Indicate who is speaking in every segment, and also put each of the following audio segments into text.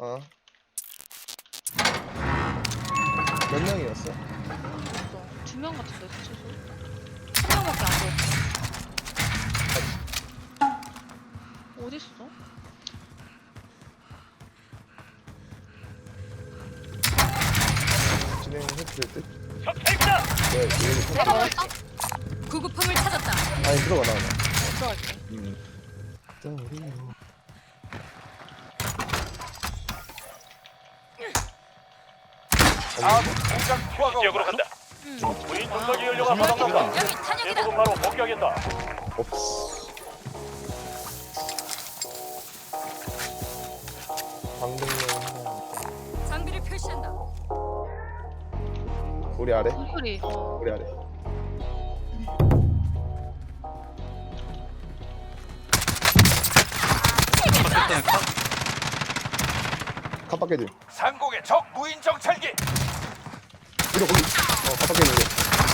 Speaker 1: 어. 몇 명이었어?
Speaker 2: 맞아. 2명 같은데 최소. 1명밖에 안 보였어. 어딨어?
Speaker 1: 진행했을 듯?
Speaker 3: 적발이다.
Speaker 1: 네, 이거
Speaker 2: 내가 먹었어?
Speaker 4: 구급품을 찾았다.
Speaker 1: 아니, 들어가, 나와.
Speaker 2: 들어갈게.
Speaker 3: 아군 공장 투하가 지역으로 간다.
Speaker 2: 응.
Speaker 3: 무인 정찰기 연료가 바닥난다.
Speaker 4: 여기 탄약이다.
Speaker 3: 제국은 바로 복귀하겠다.
Speaker 1: 없어. 방등용 하나.
Speaker 4: 장비를 표시한다.
Speaker 1: 우리 아래?
Speaker 2: 소리.
Speaker 1: 우리 아래. kap밖에 들.
Speaker 3: 상공의 적 무인 정찰기.
Speaker 1: 이거 거기. kap밖에 들.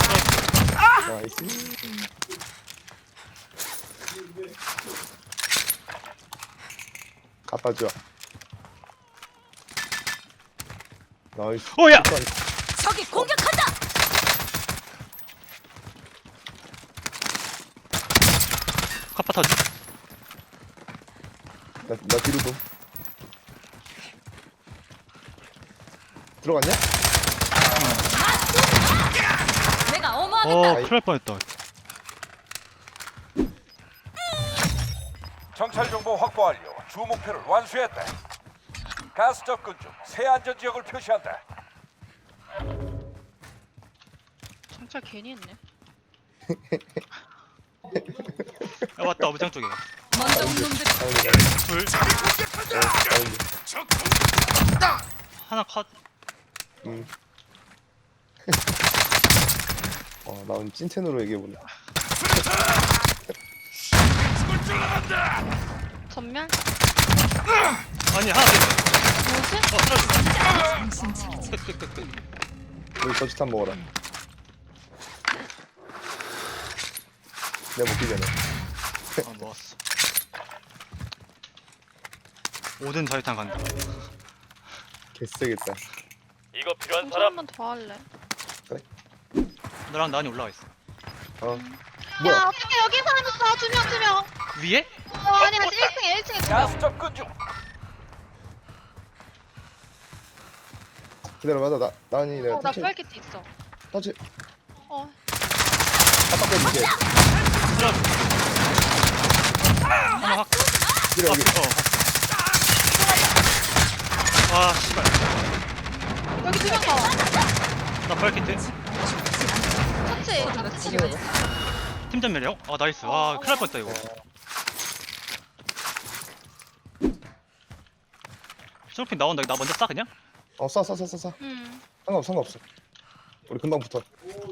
Speaker 1: 나이스. 갚아줘. 나이스.
Speaker 5: 오야!
Speaker 4: 적이 공격한다.
Speaker 5: 카파 터지.
Speaker 1: 나 뒤로 좀. 들어갔냐?
Speaker 4: 내가 어마하겠다.
Speaker 5: 큰일 날 뻔했다.
Speaker 3: 정찰 정보 확보 완료. 주 목표를 완수했다. 가스 접근 중 새 안전 지역을 표시한다.
Speaker 2: 정찰 괜히 했네.
Speaker 5: 야 왔다 어부장 쪽에.
Speaker 4: 먼저 온 놈들
Speaker 5: 둘. 하나 컷.
Speaker 1: 나 오늘 찐텐으로 얘기해볼래.
Speaker 2: 전멸?
Speaker 5: 아니 하나 더 있어.
Speaker 2: 뭐지?
Speaker 4: 정신 차리자.
Speaker 5: 끝.
Speaker 1: 여기 저지탄 먹어라. 내가 먹기 전에.
Speaker 5: 먹었어. 5든 저희탄 간다.
Speaker 1: 개쎄겠다.
Speaker 3: 이거 필요한
Speaker 2: 정찰 한 번 더 할래.
Speaker 5: 너랑 나은이 올라가 있어.
Speaker 1: 뭐야?
Speaker 2: 야, 어떻게 여기 사람 있어? 2명.
Speaker 5: 위에?
Speaker 2: 아니, 1층에 2명.
Speaker 3: 가스 접근 중.
Speaker 1: 기다려봐. 나니 내가
Speaker 2: 나
Speaker 1: 터치.
Speaker 2: 부활키트 있어.
Speaker 1: 터치.
Speaker 2: 어.
Speaker 1: 깜빡 해줄게.
Speaker 5: 하나 확.
Speaker 1: 기다려 여기.
Speaker 5: 와 씨발.
Speaker 2: 여기 2명 더.
Speaker 5: 나 벌키트.
Speaker 2: 터치.
Speaker 4: 모두가 치료해.
Speaker 5: 팀전 매력. 아 나이스. 와 큰일 날 뻔했다 이거. 쇼핑 나온다. 나 먼저 싸 그냥?
Speaker 1: 쏴. 상관없어. 우리 금방 붙어.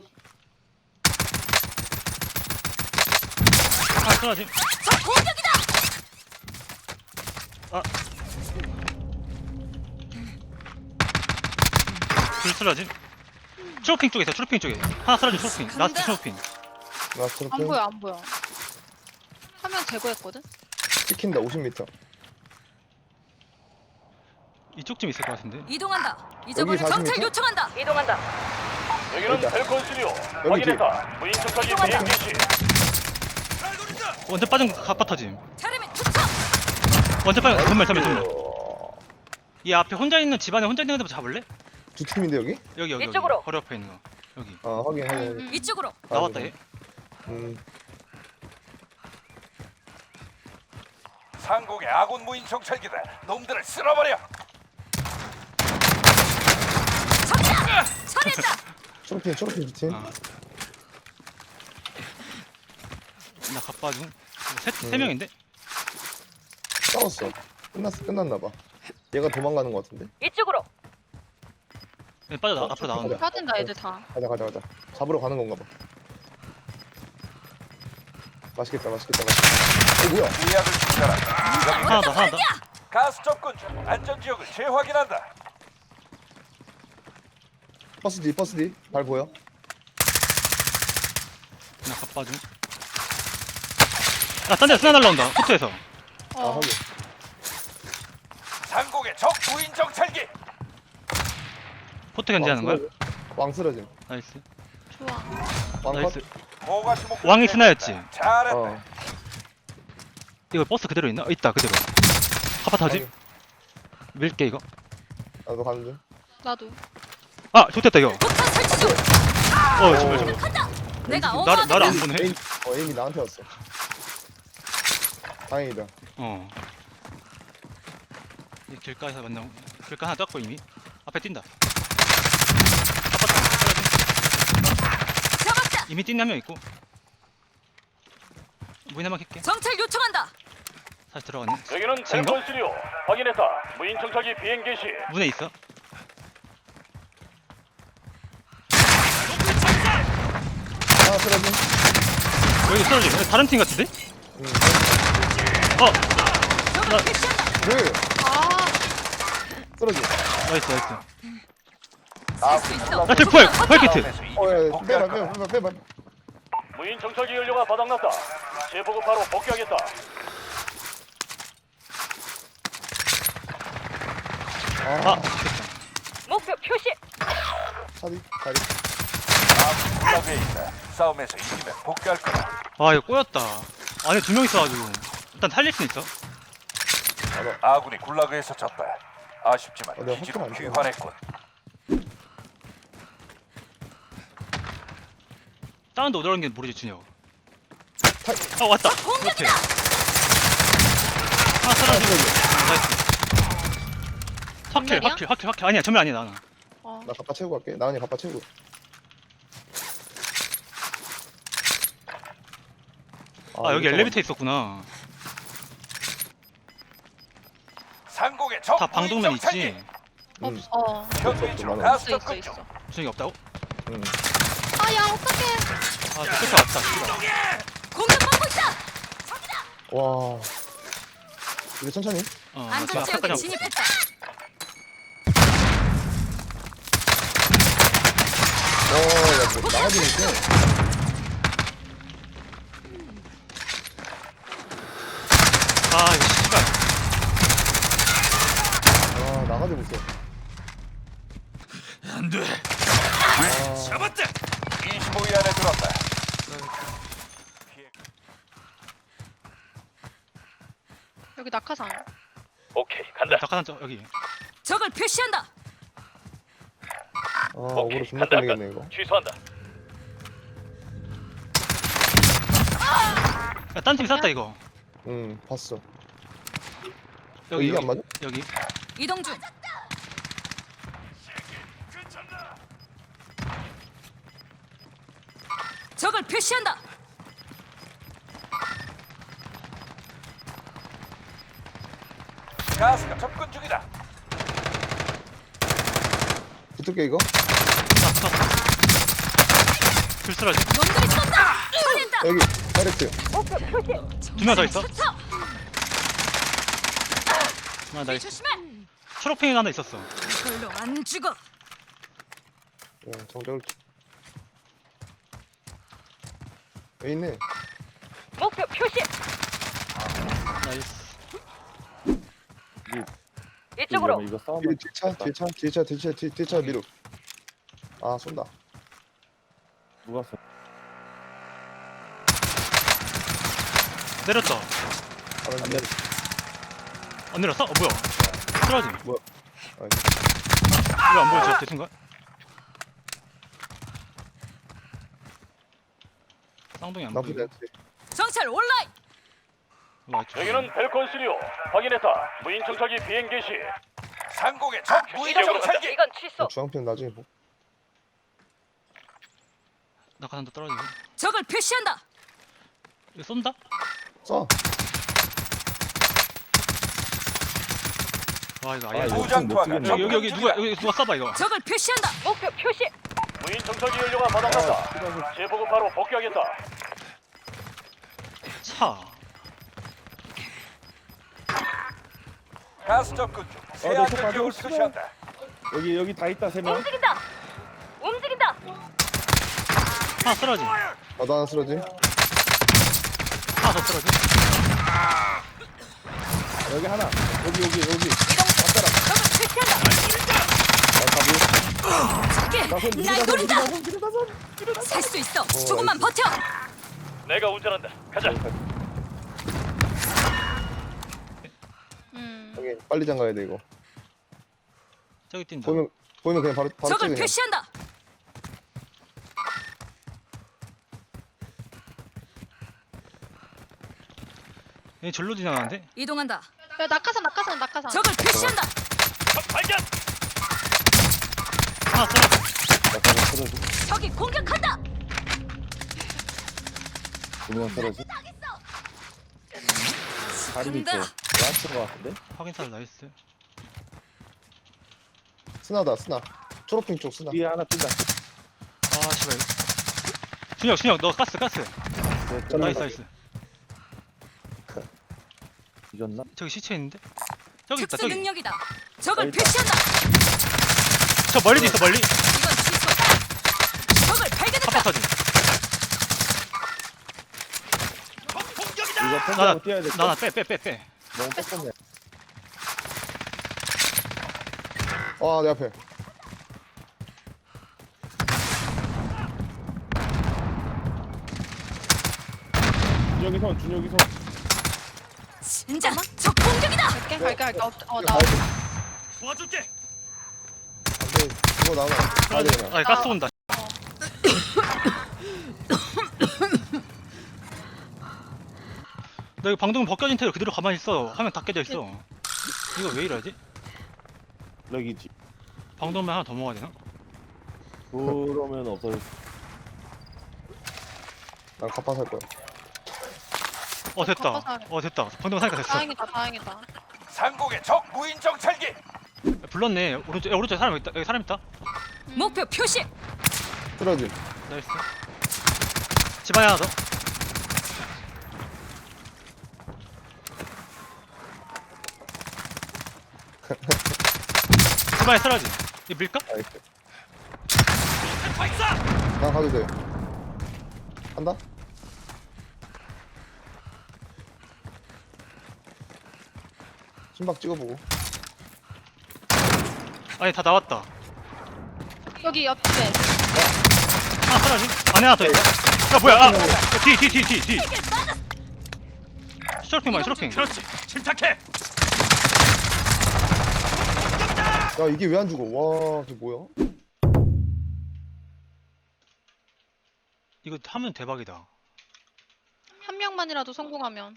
Speaker 5: 하나 쓰러지.
Speaker 4: 적 공격이다.
Speaker 5: 둘 쓰러지. 트로핑 쪽에 있어. 트로핑 쪽에. 하나 쓰러지. 트로핑. 라스트 트로핑.
Speaker 1: 나 저렇게
Speaker 2: 안 보여. 화면 제거했거든?
Speaker 1: 찍힌다. 50m.
Speaker 5: 이쪽쯤 있을 것 같은데.
Speaker 4: 이동한다. 잊어버린
Speaker 1: 40m?
Speaker 4: 정찰 요청한다. 이동한다.
Speaker 3: 여기는
Speaker 1: 여기다.
Speaker 3: 펠콘 스튜디오.
Speaker 1: 여기
Speaker 3: 확인했다. 무인 정찰기 대응 개시.
Speaker 5: 원전 빠진 갑바 터짐.
Speaker 4: 테레미 투척.
Speaker 5: 원전 빠진 전멸. 이 앞에 혼자 있는 집안에 혼자 있는 애들 잡을래?
Speaker 1: 두 팀인데 여기?
Speaker 5: 여기.
Speaker 4: 이쪽으로.
Speaker 5: 바로 옆에 있는 거. 여기.
Speaker 1: 확인.
Speaker 4: 이쪽으로.
Speaker 5: 나왔다 얘.
Speaker 3: 상공의 아군 무인 정찰기다. 놈들을 쓸어버려.
Speaker 4: 적이다. 처리했다.
Speaker 1: 초록핀 두 팀.
Speaker 5: 나 갑바 중. 세 명인데?
Speaker 1: 싸웠어. 끝났나 봐. 얘가 도망가는 것 같은데.
Speaker 4: 이쪽으로.
Speaker 5: 얘 빠져 앞으로 나온다.
Speaker 2: 빠진다, 애들 다.
Speaker 1: 가자. 잡으러 가는 건가 봐. 맛있겠다. 뭐야?
Speaker 3: 예약을 중단한다.
Speaker 5: 하나 더.
Speaker 3: 가스 접근 중 안전 지역을 재확인한다.
Speaker 1: 버스 뒤. 발 보여?
Speaker 5: 나 갑바 중. 야, 딴 데 스나 날라온다. 코트에서.
Speaker 1: 확인.
Speaker 3: 상공의 상공의 적 무인 정찰기.
Speaker 5: 포트 견제하는 거야?
Speaker 1: 왕 쓰러짐.
Speaker 5: 나이스.
Speaker 2: 좋아.
Speaker 1: 왕 컷.
Speaker 5: 나이스.
Speaker 3: 모가시 목표
Speaker 5: 왕이 스나였지?
Speaker 3: 잘했다.
Speaker 1: 어.
Speaker 5: 이거 버스 그대로 있나? 있다 그대로. 카파 타지?
Speaker 1: 아니,
Speaker 5: 밀게 이거.
Speaker 1: 나도 가는 중.
Speaker 2: 나도.
Speaker 5: 아 좋댔다 이거.
Speaker 4: 폭탄 설치 중.
Speaker 5: 정말.
Speaker 4: 간다. 내가
Speaker 5: 나를
Speaker 4: 어마어마하게
Speaker 5: 나를 안 보네.
Speaker 1: 에임이 나한테 왔어. 다행이다.
Speaker 5: 어. 이 길가에서 만나. 길가 하나 떴고 이미. 앞에 뛴다. 카파 타.
Speaker 4: 잡았다.
Speaker 5: 이미 뛴 한 명 있고. 무인 한번 킬게.
Speaker 4: 정찰 요청한다.
Speaker 5: 다시 들어갔네.
Speaker 6: 여기는
Speaker 5: 쟤인가?
Speaker 6: 델콘 스리오. 확인했다. 무인 정찰기 비행 개시.
Speaker 5: 문에 있어.
Speaker 1: 하나 쓰러짐.
Speaker 5: 여기 쓰러지. 다른 팀 같은데?
Speaker 1: 응.
Speaker 5: 어.
Speaker 4: 적을 표시한다.
Speaker 1: 그
Speaker 2: 아,
Speaker 1: 쓰러짐.
Speaker 5: 나이스 나이스.
Speaker 4: 쓸수 있어.
Speaker 5: 나 풀. 펄키트.
Speaker 3: 싸움에서 이기면
Speaker 1: 어야
Speaker 3: 복귀할
Speaker 1: 빼봐
Speaker 3: 거다.
Speaker 1: 빼봐.
Speaker 6: 무인 정찰기 연료가 바닥났다. 재보급 바로 복귀하겠다.
Speaker 5: 아.
Speaker 1: 아
Speaker 4: 목표 표시.
Speaker 1: 차디 다리.
Speaker 3: 아군 굴락에 있다. 싸움에서 이기면 복귀할 거다.
Speaker 5: 아 이거 꼬였다. 안에 두 명 있어가지고. 일단 살릴 수 있어.
Speaker 3: 아군이 굴락에서 졌다. 아쉽지만
Speaker 1: 내가
Speaker 3: 기지로
Speaker 1: 확실히 안
Speaker 3: 귀환했군.
Speaker 5: 다른 데 어디로 게 모르지 준혁. 아 왔다. 그렇지. 하나 사라지고. 나이스.
Speaker 2: 전멸이야?
Speaker 5: 확킬. 아니야 전멸 아니야 나는.
Speaker 2: 어.
Speaker 1: 나 갑바 채우고 갈게. 나은이 갑바 채우고.
Speaker 5: 아 여기 엘리베이터 있었구나.
Speaker 3: 상공의 적
Speaker 5: 다
Speaker 3: 무인
Speaker 5: 방독면
Speaker 3: 정찰기.
Speaker 5: 있지.
Speaker 2: 없어.
Speaker 3: 현재 중
Speaker 1: 많아.
Speaker 3: 가스
Speaker 2: 있어,
Speaker 3: 접근
Speaker 2: 있어,
Speaker 3: 중.
Speaker 2: 있어.
Speaker 5: 준혁이 없다고?
Speaker 1: 응.
Speaker 2: 아, 야, 어떡해.
Speaker 5: 아 끝에 왔다. 씨발.
Speaker 4: 공격받고 있다.
Speaker 1: 와. 이제 천천히.
Speaker 5: 어
Speaker 4: 안전 지역에
Speaker 5: 앞에까지
Speaker 4: 진입했다.
Speaker 1: 야, 뭐 나가지니까.
Speaker 5: 아 이거 씨발.
Speaker 1: 아, 나가지 못해.
Speaker 3: 안돼.
Speaker 1: 아,
Speaker 3: 잡았다. 25위 안에 들었다.
Speaker 2: 여기 낙하산.
Speaker 6: 오케이 간다.
Speaker 5: 낙하산 저 여기.
Speaker 4: 적을 표시한다.
Speaker 1: 억울로 존나 걸리겠네, 이거.
Speaker 6: 취소한다.
Speaker 5: 야, 딴 팀 쐈다 이거.
Speaker 1: 응, 봤어.
Speaker 5: 여기
Speaker 1: 이게 안 맞아?
Speaker 5: 여기.
Speaker 4: 이동 중. 적을 표시한다.
Speaker 3: 가스가 접근 중이다.
Speaker 1: 붙을게, 이거.
Speaker 5: 아 붙었어. 불 쓰러지.
Speaker 4: 놈들이 쏜다. 처리했다.
Speaker 1: 여기, 다이렉트.
Speaker 5: 두 명 더 있어.
Speaker 4: 투척.
Speaker 5: 아 나이스.
Speaker 4: 조심해.
Speaker 5: 초록팽이 하나 있었어.
Speaker 4: 별로 안 죽어.
Speaker 1: 정적을. 여기 있네.
Speaker 4: 목표 표시.
Speaker 5: 나이스.
Speaker 4: 이쪽으로.
Speaker 1: 뒤차 미루. 아, 쏜다.
Speaker 5: 내렸다.
Speaker 1: 안 내려.
Speaker 5: 안 내렸어? 어 뭐야? 쓰러지.
Speaker 1: 뭐야? 아니.
Speaker 5: 이거 안 보여? 저 순간? 쌍둥이 안
Speaker 1: 나쁘지
Speaker 5: 보여.
Speaker 1: 않지.
Speaker 4: 정찰 온라인.
Speaker 6: 여기는 델콘 스리오. 확인했다. 무인 정찰기 비행 개시.
Speaker 3: 상공의 적 무인 정찰기.
Speaker 4: 이건 취소.
Speaker 1: 중앙편 나중에 보.
Speaker 5: 낙하산도 떨어지고.
Speaker 4: 적을 표시한다.
Speaker 5: 이거 쏜다?
Speaker 1: 쏴.
Speaker 5: 와 이거 아예.
Speaker 3: 무장 투하가
Speaker 5: 여기
Speaker 3: 접근
Speaker 5: 여기 누가
Speaker 3: 중이다.
Speaker 5: 여기 누가 쏴봐 이거.
Speaker 4: 적을 표시한다. 목표 표시.
Speaker 6: 무인 정찰기 연료가 바닥났다. 재보급 바로 복귀하겠다.
Speaker 5: 차.
Speaker 3: 가스 접근 중. 새
Speaker 1: 너
Speaker 3: 안전
Speaker 1: 속
Speaker 3: 지역을
Speaker 1: 빠져.
Speaker 3: 표시한다.
Speaker 1: 여기 다 있다, 3명.
Speaker 4: 움직인다. 움직인다.
Speaker 5: 하나 쓰러지.
Speaker 1: 나도 하나 쓰러지.
Speaker 5: 하나 더 쓰러지.
Speaker 1: 여기 하나. 여기.
Speaker 4: 이동.
Speaker 1: 맞더라.
Speaker 4: 저기 날 노린다. 살 수 있어. 조금만 버텨.
Speaker 6: 내가 운전한다. 가자.
Speaker 1: 여기 빨리 잠가야 돼 이거.
Speaker 5: 저기 뛴다.
Speaker 1: 보이면 그냥 바로
Speaker 4: 적을
Speaker 1: 찍으세요.
Speaker 4: 표시한다.
Speaker 5: 얘 절로 지나가는데?
Speaker 4: 이동한다.
Speaker 2: 야 낙하산.
Speaker 4: 적을 표시한다.
Speaker 6: 적 발견.
Speaker 5: 하나 써.
Speaker 1: 약간 쓰러지.
Speaker 4: 적이 공격한다.
Speaker 1: 두명 쓰러지. 다리 밑에
Speaker 4: 간다.
Speaker 1: 라스트 것 같은데?
Speaker 5: 확인살 나이스.
Speaker 1: 스나다 스나. 초록핑 쪽 스나.
Speaker 7: 뒤에 하나 뛴다.
Speaker 5: 아 씨발. 준혁 너 가스. 나이스 나이스.
Speaker 7: 뒤졌나?
Speaker 5: 저기 시체 있는데? 저기 있다
Speaker 4: 특수
Speaker 5: 저기.
Speaker 4: 능력이다. 적을
Speaker 7: 여기 있다.
Speaker 4: 표시한다.
Speaker 5: 저 멀리도 있어 멀리.
Speaker 4: 이건 취소. 적을 발견했다.
Speaker 5: 깜빡 터진.
Speaker 7: 이거 펜스하고 뛰어야 돼.
Speaker 5: 나나 빼.
Speaker 7: 너무 뺐었네.
Speaker 1: 내 앞에.
Speaker 7: 준혁이 손.
Speaker 4: 진짜 적 공격이다.
Speaker 2: 갈게. 나.
Speaker 6: 도와줄게.
Speaker 1: 안돼. 그거 나와. 가야 돼 그냥.
Speaker 5: 아 가스 온다. 나 이거 방금 벗겨진 태로 그대로 가만히 있어. 화면 다 깨져 있어. 이거 왜 이러지?
Speaker 7: 럭이지.
Speaker 5: 방독면 하나 더 먹어야 되나?
Speaker 7: 그러면 없어질.
Speaker 1: 난 갑파 살 거야.
Speaker 5: 됐다. 됐다. 방독면 사니까 됐어.
Speaker 2: 다행이다.
Speaker 3: 상공의 적 무인 정찰기.
Speaker 5: 불렀네. 오른쪽에 사람 있다. 여기 사람 있다.
Speaker 4: 목표 표시.
Speaker 1: 쓰러지.
Speaker 5: 나이스. 집안에 하나 더. 집안에 쓰러지. 이거 밀까?
Speaker 1: 나이스.
Speaker 6: 발사.
Speaker 1: 난 가도 돼. 간다. 심박 찍어보고.
Speaker 5: 아니 다 나왔다.
Speaker 2: 여기 옆에.
Speaker 5: 하나 쓰러지. 안에 하나 더 있다. 야 뭐야? 뒤. 쇼핑 많이 쇼핑.
Speaker 6: 그렇지. 침착해.
Speaker 1: 야 이게 왜 안 죽어? 와 이게 뭐야?
Speaker 5: 이거 하면 대박이다.
Speaker 2: 한 명만이라도 성공하면.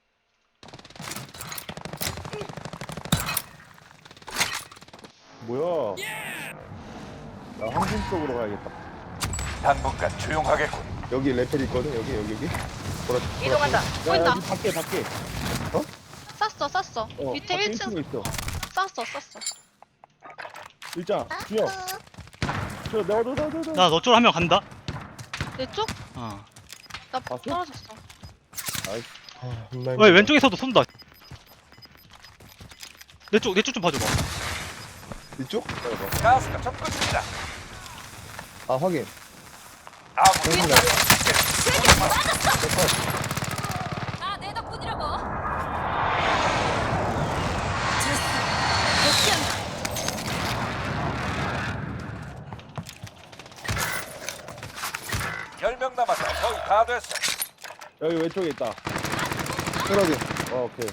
Speaker 7: 뭐야? 나 항공 쪽으로 가야겠다.
Speaker 3: 당분간 조용하겠군.
Speaker 1: 여기 레펠 있거든. 여기.
Speaker 4: 이동한다.
Speaker 7: 야
Speaker 2: 보인다.
Speaker 7: 여기 밖에.
Speaker 2: 쌌어. 밑에 1층
Speaker 7: 있어.
Speaker 2: 쌌어.
Speaker 7: 일장. 준혁. 저 너도.
Speaker 5: 나 너 쪽으로 한 명 간다.
Speaker 2: 내 쪽?
Speaker 5: 어.
Speaker 2: 나
Speaker 7: 봤어?
Speaker 2: 떨어졌어.
Speaker 5: 왜 왼쪽에서도 쏜다. 내 쪽 좀 봐줘봐.
Speaker 1: 이쪽?
Speaker 3: 가스가 접근 중이다.
Speaker 1: 아 확인.
Speaker 3: 아무
Speaker 4: 다 내 덕분이라고. 됐어. 복귀한다.
Speaker 3: 열명 남았다. 거의 다 됐어.
Speaker 7: 여기 왼쪽에 있다.
Speaker 1: 쓰러지.
Speaker 7: 오케이.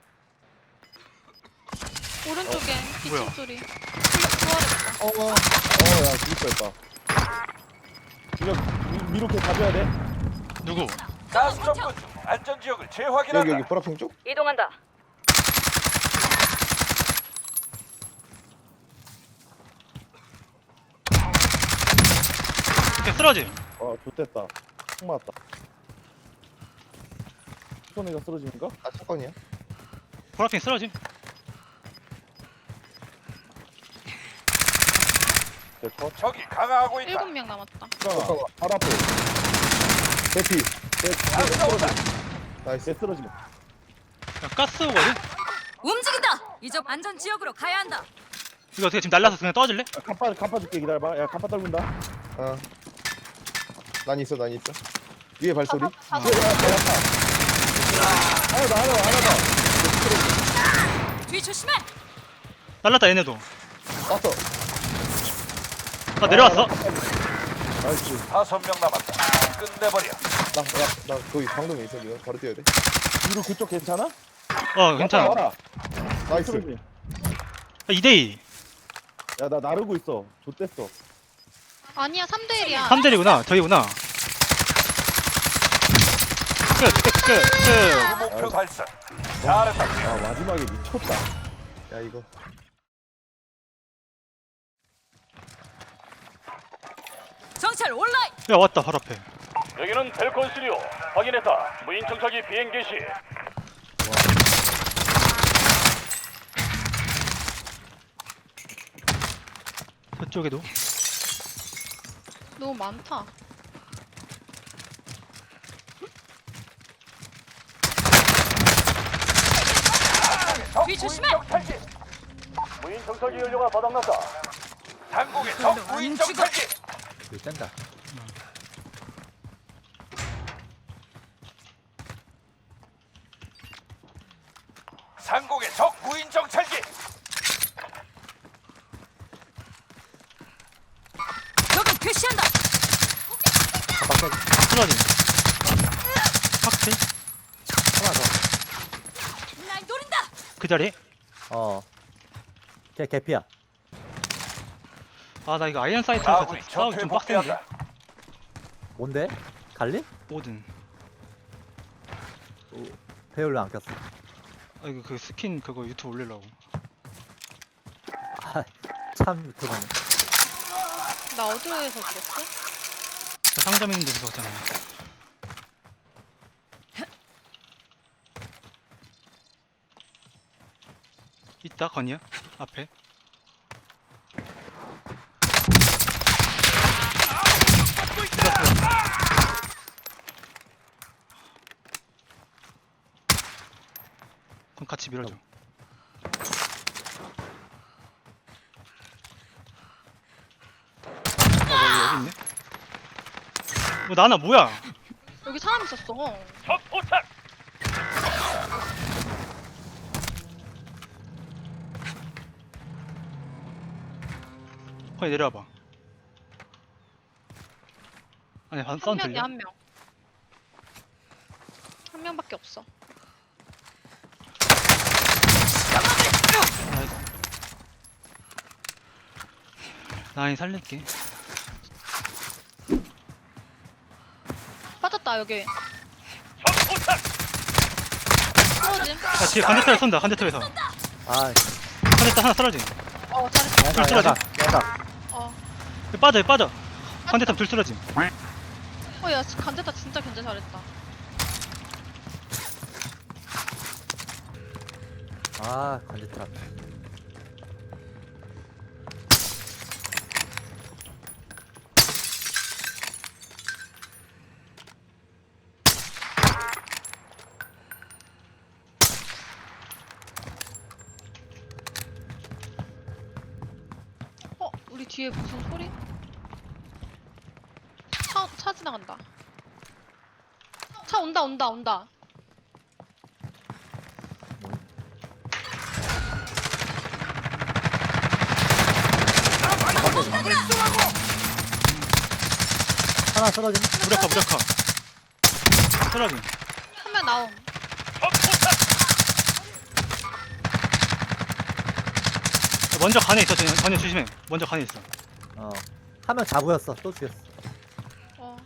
Speaker 2: 오른쪽에
Speaker 5: 뭐야?
Speaker 2: 2층 소리. 부활했다.
Speaker 1: 야 죽을 뻔했다.
Speaker 7: 준혁 미로케 가져야 돼.
Speaker 5: 누구?
Speaker 3: 가스 접근 중. 안전 지역을 재확인한다.
Speaker 1: 여기 보라핑 쪽?
Speaker 4: 이동한다.
Speaker 5: 쓰러지.
Speaker 7: 좋됐다. 총 맞았다. 손에가 쓰러지는가?
Speaker 1: 아 사건이야?
Speaker 5: 보라핑 쓰러지.
Speaker 7: 네, 컷.
Speaker 3: 적이 강화하고 있다.
Speaker 2: 7명 남았다.
Speaker 7: 잠깐만. 바로 앞에.
Speaker 1: 대피.
Speaker 3: 가스가 온다.
Speaker 1: 나이스.
Speaker 7: 쟤 쓰러지.
Speaker 5: 야, 가스거든.
Speaker 4: 움직인다. 이제 안전 지역으로 가야 한다.
Speaker 5: 이거 어떻게 지금 날라서 그냥 떠질래?
Speaker 7: 갑파 줄게. 기다려봐. 야 갑파 떨군다.
Speaker 1: 난 있어. 위에 발소리.
Speaker 2: 아,
Speaker 7: 하나 더.
Speaker 4: 뒤 조심해.
Speaker 5: 날랐다 얘네도.
Speaker 1: 왔어.
Speaker 5: 나 내려왔어.
Speaker 1: 나이스.
Speaker 3: 5명 남았다. 끝내버려.
Speaker 1: 나 거기 방금에 있어 지금. 바로 뛰어야 돼.
Speaker 7: 뒤로 그쪽 괜찮아?
Speaker 5: 어 괜찮아.
Speaker 7: 와라.
Speaker 1: 나이스.
Speaker 5: 2대2.
Speaker 7: 야, 나 나르고 있어. 좆됐어.
Speaker 2: 아니야 3대1이야.
Speaker 5: 3대1이구나. 저희구나. 끝.
Speaker 3: 목표 달성. 잘했다.
Speaker 7: 아, 마지막에 미쳤다.
Speaker 1: 야 이거.
Speaker 4: 정찰 온라인.
Speaker 5: 야 왔다 바로 앞에.
Speaker 6: 여기는 벨콘 시리오. 확인했다. 무인 정찰기 비행 개시.
Speaker 5: 저쪽에도.
Speaker 2: 너무 많다.
Speaker 4: 뒤 조심해.
Speaker 6: 무인 정찰기 연료가 바닥났다.
Speaker 3: 당국의 적 무인 정찰기.
Speaker 7: 짠다.
Speaker 3: 상공의 적 무인 정찰기.
Speaker 4: 적을 표시한다.
Speaker 5: 쓰러짐. 확실.
Speaker 7: 하나 더.
Speaker 4: 날 노린다.
Speaker 5: 그 자리.
Speaker 7: 걔 개피야.
Speaker 5: 아 나 이거 아이언 사이트에서
Speaker 3: 아군이
Speaker 5: 싸우기
Speaker 3: 전투에
Speaker 5: 좀 빡센데.
Speaker 3: 복귀한다.
Speaker 7: 뭔데? 갈리?
Speaker 5: 뭐든.
Speaker 7: 배율로 안 꼈어.
Speaker 5: 아 이거 그 스킨 그거 유튜브 올리려고.
Speaker 7: 참 그거네.
Speaker 2: 나 어디로에서 죽었어?
Speaker 5: 저 상점 있는 데서 그거잖아. 있다 건이야 앞에. 그럼 같이 밀어줘. 여기 있네. 뭐 나나 뭐야?
Speaker 2: 여기 사람 있었어.
Speaker 6: 적 포착.
Speaker 5: 거기 내려와봐. 아니 반
Speaker 2: 한
Speaker 5: 사운드
Speaker 2: 명이야
Speaker 5: 들려?
Speaker 2: 한 명. 한 명밖에 없어.
Speaker 5: 나이 살릴게.
Speaker 2: 빠졌다 여기.
Speaker 6: 적 포착.
Speaker 2: 쓰러짐.
Speaker 5: 야 뒤에 관제탑에 쏜다. 관제탑에서.
Speaker 7: 아,
Speaker 5: 관제탑 하나 쓰러짐.
Speaker 2: 잘했어.
Speaker 5: 둘 쓰러짐.
Speaker 2: 어.
Speaker 5: 빠져 빠져. 관제탑 둘 쓰러짐.
Speaker 2: 야 간제다 진짜 견제 잘했다.
Speaker 7: 아, 관제탑.
Speaker 2: 우리 뒤에 무슨 소리? 차 지나간다. 차 온다.
Speaker 7: 하나 쓰러짐.
Speaker 5: 무력화 쓰러짐.
Speaker 2: 한 명 나옴.
Speaker 6: 적 포착.
Speaker 5: 먼저 간에 있어. 전혀 조심해. 먼저 간에 있어.
Speaker 7: 한 명 잡으였어. 또 죽였어.
Speaker 2: 어.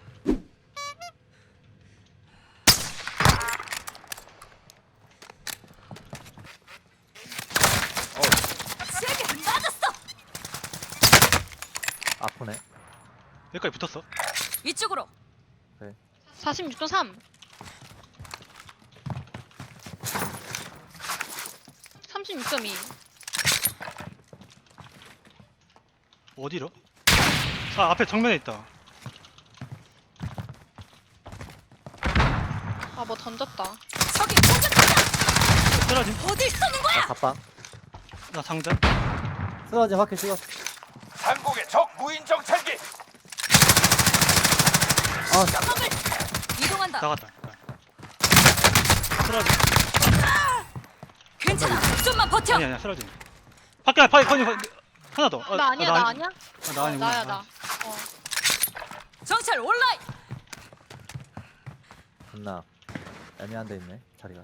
Speaker 4: 세게 맞았어.
Speaker 7: 아프네.
Speaker 5: 여기까지 붙었어.
Speaker 4: 이쪽으로.
Speaker 2: 46.3. 36.2.
Speaker 5: 어디로? 아 앞에 정면에 있다.
Speaker 2: 뭐 던졌다.
Speaker 4: 적이 공격한다.
Speaker 5: 쓰러짐.
Speaker 4: 어딜 쏘는 거야?
Speaker 7: 갑방.
Speaker 5: 나 상자.
Speaker 7: 쓰러짐 확실히 찍었어.
Speaker 3: 상공의 적 무인 정찰기.
Speaker 4: 적을 이동한다.
Speaker 5: 나갔다. 쓰러짐.
Speaker 4: 괜찮아. 좀만 버텨.
Speaker 5: 아니야 쓰러짐. 밖에 하나 더.
Speaker 2: 나 아니야 나 아니야?
Speaker 5: 나 아니구나.
Speaker 2: 나야 나.
Speaker 4: 정찰 온라인.
Speaker 7: 존나 애매한 데 있네 자리가.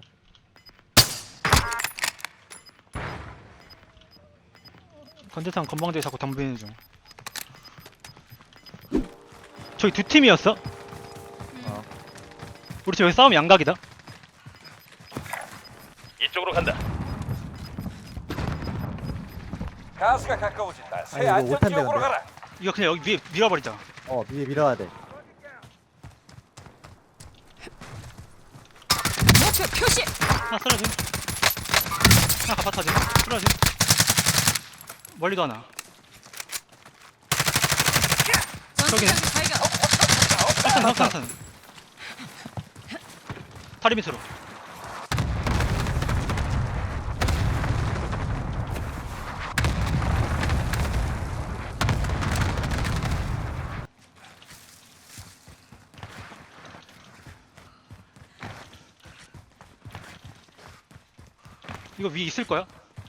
Speaker 5: 건재상 건방지게 자꾸 덤비는 중. 저기 두 팀이었어?
Speaker 7: 어.
Speaker 5: 우리 지금 여기 싸움 양각이다.
Speaker 6: 이쪽으로 간다.
Speaker 3: 가스가 가까워진다. 새
Speaker 7: 아니, 이거
Speaker 3: 안전지역으로
Speaker 7: 못한대,
Speaker 3: 가라.
Speaker 5: 이거 그냥 여기 위에 밀어버리자.
Speaker 7: 위에 밀어야 돼.
Speaker 4: 목표 표시.
Speaker 5: 하나 쓰러짐. 하나 가파타짐. 쓰러짐. 멀리도 하나.
Speaker 4: 전투장 발견.
Speaker 5: 확산. 다리 밑으로. 이거 위에 있을 거야?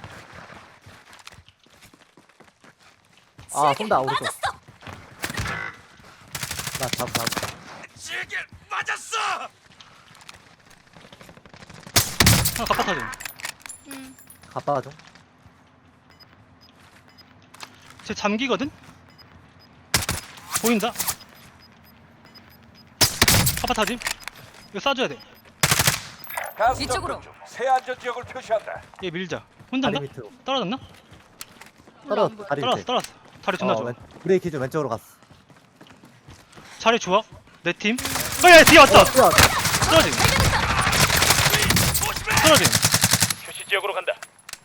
Speaker 7: 아 쏜다 오른쪽. 나 잡.
Speaker 5: 하나 가파타짐.
Speaker 7: 갔다 와줘.
Speaker 5: 쟤 잠기거든? 보인다? 가파타짐. 이거 쏴줘야 돼.
Speaker 3: 가스
Speaker 4: 이쪽으로.
Speaker 3: 접근 중. 새 안전지역을 표시한다.
Speaker 5: 얘 밀자. 혼자인가?
Speaker 7: 다리 밑으로.
Speaker 5: 떨어졌나?
Speaker 7: 떨어졌어 다리 밑에.
Speaker 5: 떨어졌어. 다리 존나 좋아.
Speaker 7: 브레이크 좀 왼쪽으로 갔어.
Speaker 5: 자리 좋아. 내 팀. 야, 뒤에 왔어.
Speaker 7: 뛰어.
Speaker 5: 떨어짐. 떨어짐.
Speaker 6: 표시 지역으로 간다.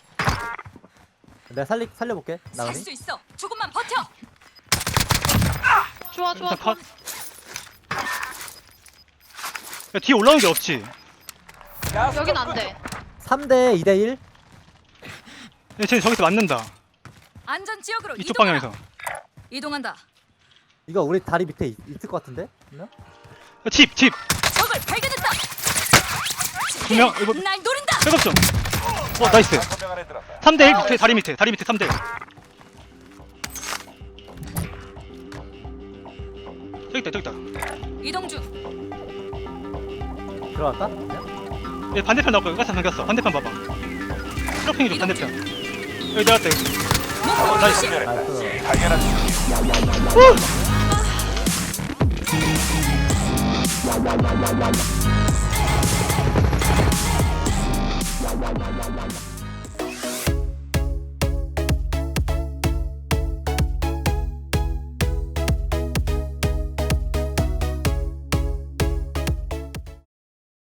Speaker 7: 내가 살려볼게.
Speaker 4: 살
Speaker 7: 나은이.
Speaker 4: 수 있어. 조금만 버텨.
Speaker 2: 좋아
Speaker 5: 일단 컷. 야, 뒤에 올라오는 게 없지.
Speaker 3: 가스
Speaker 2: 여긴
Speaker 3: 접근
Speaker 2: 안 돼.
Speaker 7: 3대 2대 1.
Speaker 5: 야, 쟤 저기서 맞는다.
Speaker 4: 안전 지역으로
Speaker 5: 이쪽
Speaker 4: 이동하라.
Speaker 5: 방향에서.
Speaker 4: 이동한다.
Speaker 7: 이거 우리 다리 밑에 있을 것 같은데? 있나?
Speaker 5: 야, 집.
Speaker 4: 적을 발견했다.
Speaker 5: 두 명, 이거-
Speaker 4: 날 노린다.
Speaker 5: 백업 좀. 나이스.
Speaker 3: 5명 안에 들었다.
Speaker 5: 3대1 밑에, 다리 밑에 3대1. 저기 있다.
Speaker 4: 이동 중.
Speaker 7: 들어갈까?
Speaker 5: 얘 반대편 나올 거야. 가스 당겼어. 반대편 봐봐. 트로핑이 좀 반대편. 여기 내려왔다, 여기.
Speaker 4: 목표
Speaker 5: 나이스.
Speaker 4: 표시.
Speaker 7: 나이스.
Speaker 3: 당연한 중.